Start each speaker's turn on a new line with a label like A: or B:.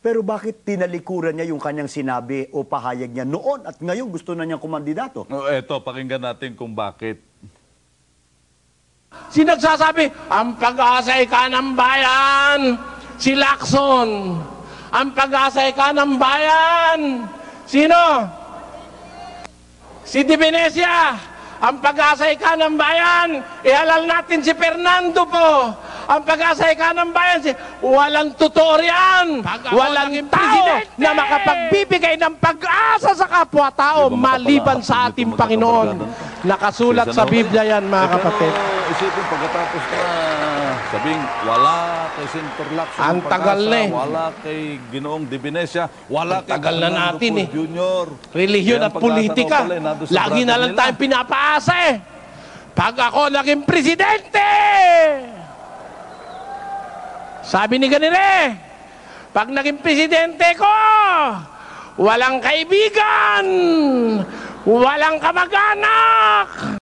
A: Pero bakit tinalikuran niya yung kanyang sinabi o pahayag niya noon at ngayon gusto na niyang kumandidato?
B: Eto, pakinggan natin kung bakit.
C: Sinagsasabi, ang pag-asay ka ng bayan, si Lacson. Ang pag-asay ka ng bayan, sino? Si Di Venecia. Ang pag-asay ka ng bayan, ihalal natin si Fernando po. Ang pag-asay ka ng bayan, walang totoo riyan. Walang tao na makapagbibigay ng pag-asa sa kapwa-tao maliban sa ating Panginoon. Nakasulat sa Biblia yan, mga kapatid.
B: Isipin pagkatapos na sabing wala kay Senator Lacson,
C: ang tagal na eh.
B: Wala kay Ginoong Di Venecia, wala kay
C: tagal na natin eh.
B: Junior.
C: Relihiyon at politika. Lagi na lang tayong pinapaasa eh. Pag ako naging presidente, sabi ni ganire, pag naging presidente ko, walang kaibigan, walang kamag-anak.